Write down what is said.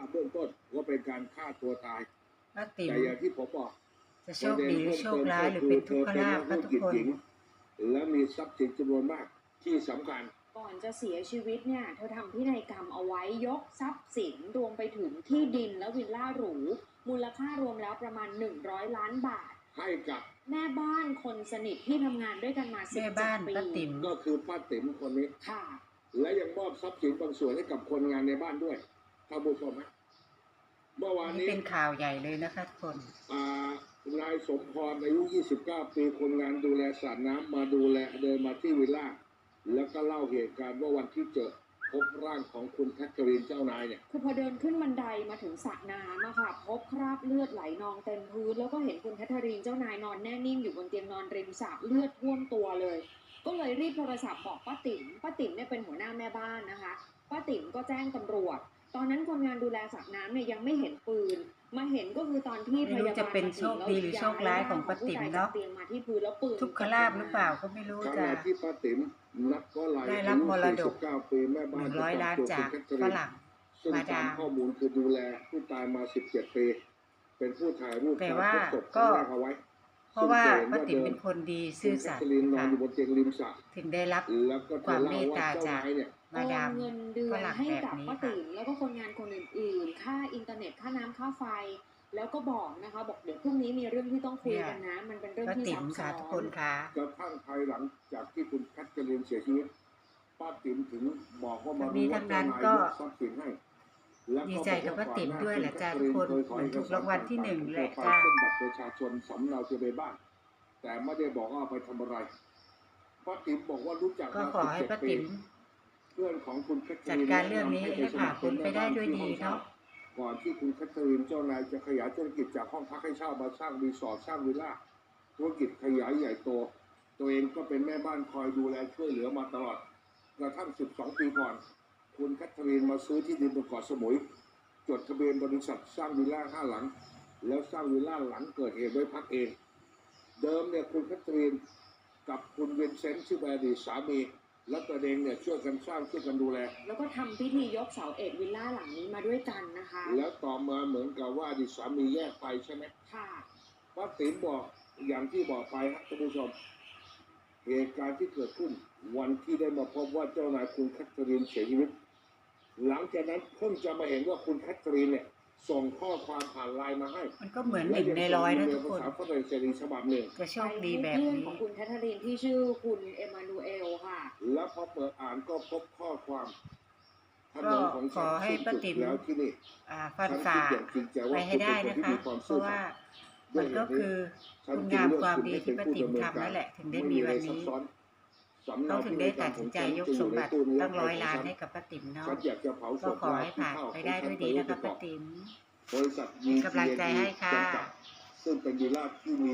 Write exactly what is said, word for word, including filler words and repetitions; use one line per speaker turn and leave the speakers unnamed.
เบื้องต้นว่าเป็นการฆ่าตัวตาย
ป้าติ๋ม
แต่อย่างที่ผมบอก
จะโชคดีหรือโชคร้ายหรือเป็นทุกขลาภก็ทุกคน
และมีทรัพย์สินจำนวนมากที่สำคัญ
ก่อนจะเสียชีวิตเนี่ยเธอทำพินัยกรรมเอาไว้ยกทรัพย์สินรวมไปถึงที่ดินและวิลล่าหรูมูลค่ารวมแล้วประมาณหนึ่งร้อยล้านบาท
ให้กับ
แม่บ้านคนสนิทที่ทำงานด้วยกันมาสิบเจ็ดปี
ป้าติ๋ม
ก็คือป้าติ๋มคนนี้
ค่ะ
และยังมอบทรัพย์สินบางส่วนให้กับคนงานในบ้านด้วยท่านผู้ชมไหมเมื่อวานนี้
เป็นข่าวใหญ่เลยนะคะทุกคน
อ่านายสมพรอายุยี่สิบเก้าปีคนงานดูแลสระน้ำมาดูแลเดินมาที่วิลล่าแล้วก็เล่าเหตุการณ์ว่าวันที่เจอพบร่างของคุณแคทเธอรีนเจ้านายเนี่ย
คือพอเดินขึ้นบันไดมาถึงสระน้ำอะค่ะพบคราบเลือดไหลนองเต็มพื้นแล้วก็เห็นคุณแคทเธอรีนเจ้านายนอนแน่นิ่งอยู่บนเตียงนอนริมสระเลือดท่วมตัวเลยก็เลยรีบโทรศัพท์บอกป้าติ๋มป้าติ๋มเนี่ยเป็นหัวหน้าแม่บ้านนะคะป้าติ๋มก็แจ้งตำรวจตอนนั้นคนงานดูแลสระน้ำเนี่ยยังไม่เห็นปืนมาเห็นก็คือตอนที่พยาบาล
จะเป็นโชคดีหรือโชคร้ายของป้าติ๋มเนาะทุกขลาภหรือเปล่าก็ไม่รู้จ้ะ
ที่ป้าติ๋มนับก็ลาย
ได้รับมรดก
แม่บ้าน
หนึ่งร้อยล้านจากฝรั่งมาดาม
ข้อมูลคือดูแลผู้ตายมาสิบเจ็ดปีเป็นผู้ถ่ายรูป
แต่ว่าก็เพราะว่าป้าติ๋มเป็นคนดีซื่อสัตย์ค่ะถึงได้รับความเมตตาจากมาดาม
เงินเดือนให้กับป้าติ๋มแล้วก็คนงานคนอื่นๆค่าอินเทอร์เน็ตค่าน้ำค่าไฟแล้วก็บอกนะคะบอกเดี๋ยวพรุ่งนี้มีเรื่องที่ต้องคุยกันนะมันเป็นเรื่องที่ซับซ้อน
ทุกคนค่ะ
กระทั่งภายหลังจากที่คุณแคทเธอรีนเสียชีวิตป้าติ๋มถึงบอกว่ามา
รู้ว่าเจ้านายยก
ทรัพย์สินให้
ดีใจกับป้าติ๋มด้วยแหละจ้าทุกคนเหมือนถูกรางวัลที่หนึ่งแหละ
จ้าเป็นบัตรประชาชนสำเนาทะเบียนบ้านแต่ไม่ได้บอกว่าไปทำอะไรป้าติ๋มบอกว่ารู้จัก
ก็ขอให้ป้าติ๋ม
เพื่อนของคุณแคทเธอรีน
จัดการเรื่องนี้ให้ผ่านพ้นไปได้ด้วยดีเนาะ
ก่อนที่คุณแคทเธอรีนเจ้านายจะขยายธุรกิจจากห้องพักให้เช่ามาสร้างรีสอร์ทสร้างวิลล่าธุรกิจขยายใหญ่โตตัวเองก็เป็นแม่บ้านคอยดูแลช่วยเหลือมาตลอดกระทั่งสิบสองปีก่อนคุณแคทเธอรีนมาซื้อที่ดินบนเกาะสมุยจดทะเบียนบริษัทสร้างวิลล่าห้าหลังแล้วสร้างวิลล่าหลังเกิดเหตุไว้พักเองเดิมเนี่ยคุณแคทเธอรีนกับคุณเวนเซนต์ชื่ออดีตสามีและตัวเองเนี่ยช่วยกันสร้างช่วยกันดูแล
แล้วก็ทำพิธียกเสาเอกวิลล่าหลังนี้มาด้วยกันนะคะ
แล้วต่อมาเหมือนกับว่าอดีตสามีแยกไปใช่ไหม
ค่ะ
ป้าติ๋มบอกอย่างที่บอกไปครับท่านผู้ชมเหตุการณ์ที่เกิดขึ้นวันที่ได้มาพบว่าเจ้านายคุณแคทเธอรีนเสียชีวิตหลังจากนั้นเพิ่งจะมาเห็นว่าคุณแคทเธอรีนเนี่ยส่งข้อความผ่านไลน์มาให้
มันก็เหมือนหนึ่งในร้อยนะทุกคน
ฉบับหนึ่ง
จะโชคดีแบบนี้
ของคุณแคทเธอรีนที่ชื่อคุณเอมานูเอลค่ะ
แล้วพอเปิดอ่านก็พบข้อความ
ก็ขอให้ป้าติ๋มฟันฝ่าไปให้ได้นะคะเพราะว่ามันก็คือคุณงามความดีที่ป้าติ๋มทำนั่นแหละถึงได้มีวันนี้เขาถึงได้ตัดสินใจยกสมบัติตั้งร้อยล้านให้กับป้าติ๋มเนาะก็ขอให้ผ่านไปได้ด้วยดีนะคะป้าติ๋มกำลังใจให้ค่ะ
ซึ่งเป็นวิลล่าที่มี